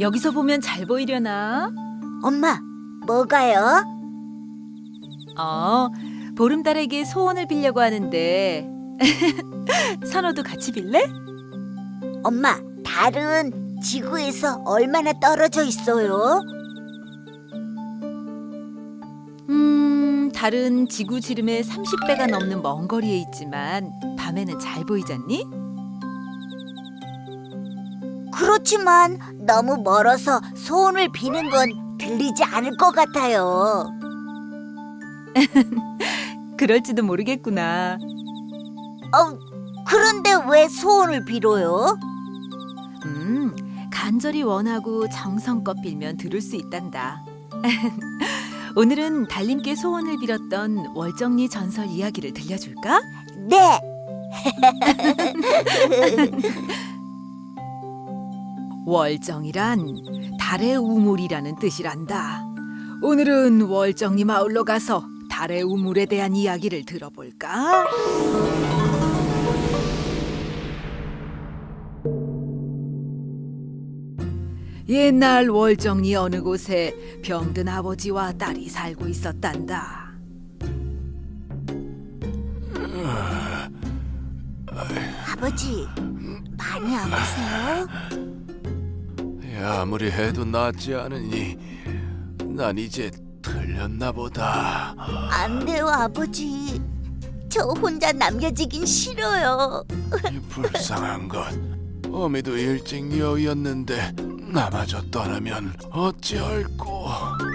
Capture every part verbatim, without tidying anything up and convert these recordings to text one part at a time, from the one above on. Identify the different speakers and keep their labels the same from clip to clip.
Speaker 1: 여기서 보면 잘 보이려나?
Speaker 2: 엄마, 뭐가요?
Speaker 1: 어, 보름달에게 소원을 빌려고 하는데 선호도 같이 빌래?
Speaker 2: 엄마, 달은 지구에서 얼마나 떨어져 있어요?
Speaker 1: 음, 달은 지구 지름의 삼십 배가 넘는 먼 거리에 있지만 밤에는 잘 보이잖니?
Speaker 2: 그렇지만 너무 멀어서 소원을 비는 건 들리지 않을 것 같아요.
Speaker 1: 그럴지도 모르겠구나.
Speaker 2: 어, 그런데 왜 소원을 빌어요?
Speaker 1: 음, 간절히 원하고 정성껏 빌면 들을 수 있단다. 오늘은 달님께 소원을 빌었던 월정리 전설 이야기를 들려줄까?
Speaker 2: 네.
Speaker 1: 월정이란 달의 우물이라는 뜻이란다. 오늘은 월정리 마을로 가서 달의 우물에 대한 이야기를 들어볼까? 옛날 월정리 어느 곳에 병든 아버지와 딸이 살고 있었단다.
Speaker 2: 아버지, 많이 아프세요?
Speaker 3: 아무리 해도 낫지 않으니 난 이제 틀렸나 보다.
Speaker 2: 안 돼요, 아버지. 저 혼자 남겨지긴 싫어요.
Speaker 3: 불쌍한 것. 어미도 일찍 여였는데 나마저 떠나면 어찌할꼬.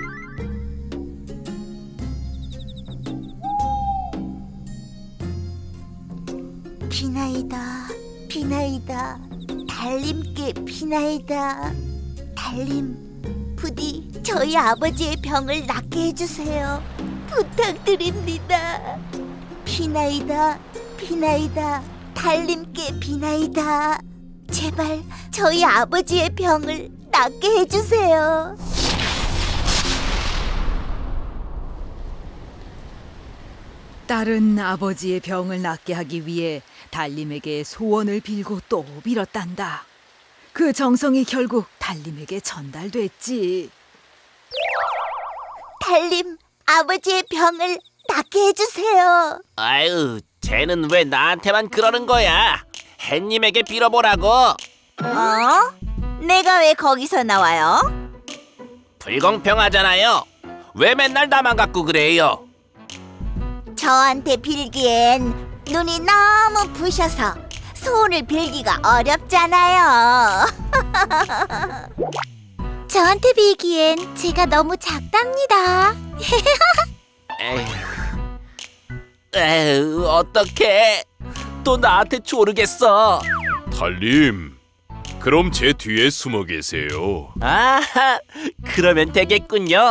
Speaker 2: 비나이다, 비나이다. 달님께 비나이다. 달님, 부디 저희 아버지의 병을 낫게 해주세요. 부탁드립니다. 비나이다, 비나이다. 달님께 비나이다. 제발 저희 아버지의 병을 낫게 해주세요.
Speaker 1: 딸은 아버지의 병을 낫게 하기 위해 달님에게 소원을 빌고 또 빌었단다. 그 정성이 결국 달님에게 전달됐지.
Speaker 2: 달님, 아버지의 병을 낫게 해주세요.
Speaker 4: 아유, 쟤는 왜 나한테만 그러는 거야? 햇님에게 빌어보라고.
Speaker 2: 어? 내가 왜 거기서 나와요?
Speaker 4: 불공평하잖아요. 왜 맨날 나만 갖고 그래요?
Speaker 2: 저한테 빌기엔 눈이 너무 부셔서 소원을 빌기가 어렵잖아요. 저한테 빌기엔 제가 너무 작답니다.
Speaker 4: 에휴, 에휴, 어떡해? 또 나한테 조르겠어.
Speaker 3: 달님, 그럼 제 뒤에 숨어 계세요.
Speaker 4: 아하, 그러면 되겠군요.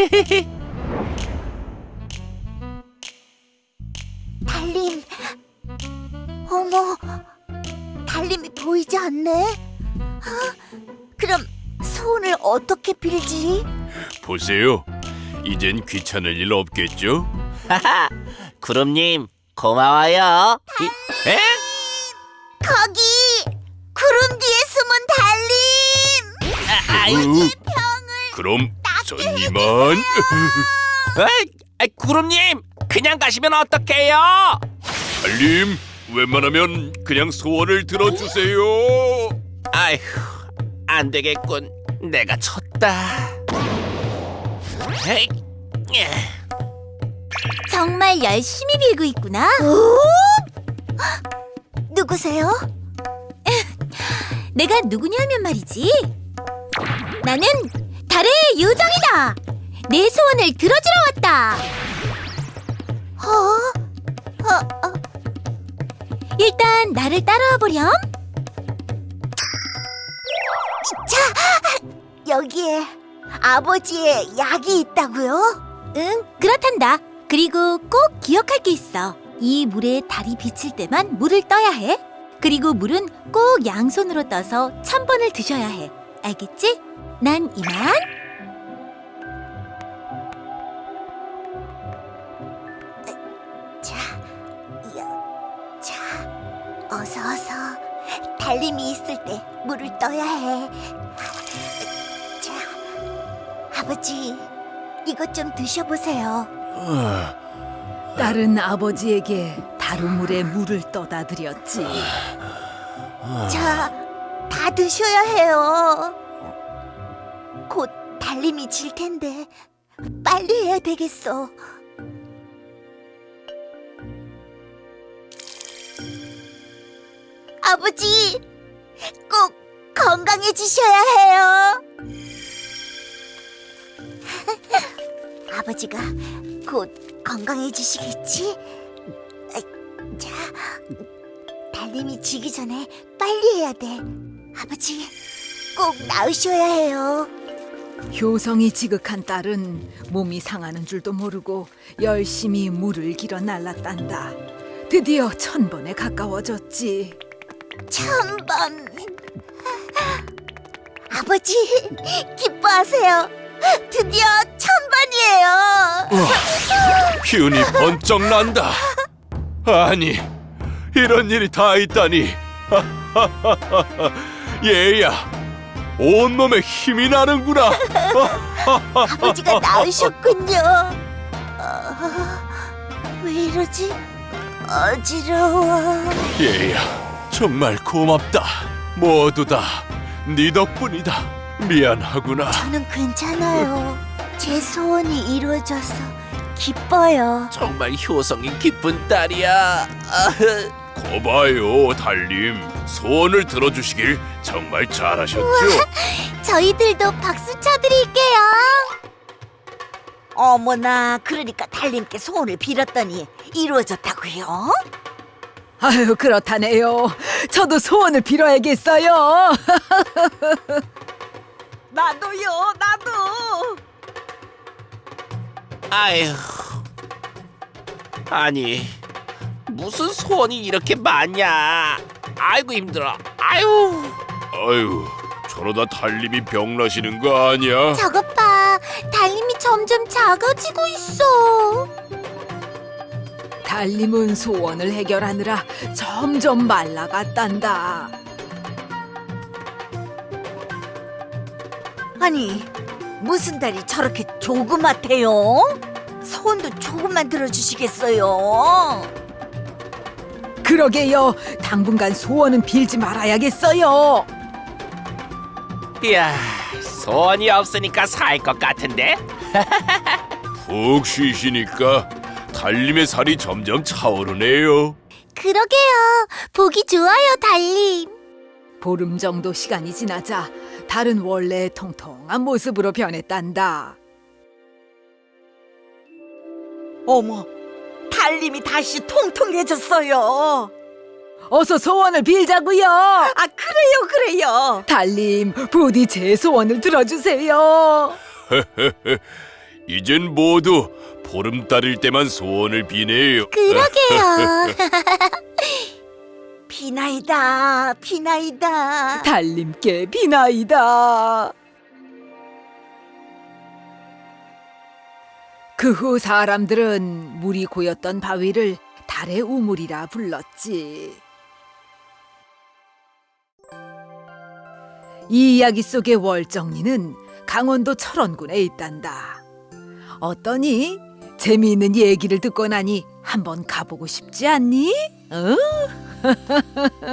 Speaker 2: 달님, 어머, 달님이 보이지 않네. 아, 그럼 소원을 어떻게 빌지?
Speaker 3: 보세요. 이젠 귀찮을 일 없겠죠?
Speaker 4: 하하, 구름님 고마워요. 이, 에?
Speaker 2: 거기 구름 뒤에 숨은 달님.
Speaker 4: 아, 아이,
Speaker 3: 으, 그럼 전 이만.
Speaker 4: 에이, 아이, 구름님 그냥 가시면 어떡해요?
Speaker 3: 달님, 웬만하면 그냥 소원을 들어주세요.
Speaker 4: 아휴, 안 되겠군. 내가 쳤다. 에이, 예.
Speaker 2: 정말 열심히 빌고 있구나. 누구세요? 내가 누구냐면 말이지. 나는 달의 요정이다. 내 소원을 들어주러 왔다. 어? 어, 어. 일단 나를 따라와 보렴. 자, 여기에 아버지의 약이 있다고요? 응, 그렇단다. 그리고 꼭 기억할 게 있어. 이 물에 달이 비칠 때만 물을 떠야 해. 그리고 물은 꼭 양손으로 떠서 천 번을 드셔야 해. 알겠지? 난 이만. 자, 여, 자, 어서 어서. 달님이 있을 때 물을 떠야 해. 아버지, 이것 좀 드셔보세요.
Speaker 1: 딸은 아버지에게 다루물에 물을 떠다 드렸지.
Speaker 2: 자, 다 드셔야 해요. 곧 달림이 질 텐데 빨리 해야 되겠어. 아버지, 꼭 건강해지셔야 해요. 아버지가 곧 건강해지시겠지? 자, 달림이 지기 전에 빨리 해야 돼. 아버지, 꼭 나으셔야 해요.
Speaker 1: 효성이 지극한 딸은 몸이 상하는 줄도 모르고 열심히 물을 길어 날랐단다. 드디어 천 번에 가까워졌지.
Speaker 2: 천 번. 아버지, 기뻐하세요. 드디어 천 번이에요.
Speaker 3: 기운이 번쩍 난다. 아니, 이런 일이 다 있다니. 얘야, 온몸에 힘이 나는구나.
Speaker 2: 아버지가 나으셨군요. 어, 왜 이러지? 어지러워.
Speaker 3: 얘야, 정말 고맙다. 모두 다 네 덕분이다. 미안하구나.
Speaker 2: 저는 괜찮아요. 제 소원이 이루어져서 기뻐요.
Speaker 4: 정말 효성이 기쁜 딸이야.
Speaker 3: 거봐요, 달님. 소원을 들어주시길 정말 잘하셨죠?
Speaker 2: 저희들도 박수 쳐드릴게요. 어머나, 그러니까 달님께 소원을 빌었더니 이루어졌다고요?
Speaker 1: 아유, 그렇다네요. 저도 소원을 빌어야겠어요. 나도요, 나도.
Speaker 4: 아휴. 아니, 무슨 소원이 이렇게 많냐? 아이고 힘들어. 아유.
Speaker 3: 아유, 저러다 달님이 병나시는 거 아니야?
Speaker 2: 저것 봐, 달님이 점점 작아지고 있어.
Speaker 1: 달님은 소원을 해결하느라 점점 말라갔단다.
Speaker 2: 아니, 무슨 달이 저렇게 조그맣대요? 소원도 조금만 들어주시겠어요?
Speaker 1: 그러게요. 당분간 소원은 빌지 말아야겠어요.
Speaker 4: 이야, 소원이 없으니까 살 것 같은데?
Speaker 3: 푹 쉬시니까 달님의 살이 점점 차오르네요.
Speaker 2: 그러게요. 보기 좋아요, 달님.
Speaker 1: 보름 정도 시간이 지나자 달은 원래 통통한 모습으로 변했단다.
Speaker 2: 어머, 달님이 다시 통통해졌어요.
Speaker 1: 어서 소원을 빌자고요.
Speaker 2: 아, 그래요, 그래요.
Speaker 1: 달님, 부디 제 소원을 들어주세요.
Speaker 3: 이젠 모두 보름달일 때만 소원을 비네요.
Speaker 2: 그러게요. 비나이다, 비나이다.
Speaker 1: 달님께 비나이다. 그 후 사람들은 물이 고였던 바위를 달의 우물이라 불렀지. 이 이야기 속의 월정리는 강원도 철원군에 있단다. 어떠니? 재미있는 얘기를 듣고 나니 한번 가보고 싶지 않니? 어?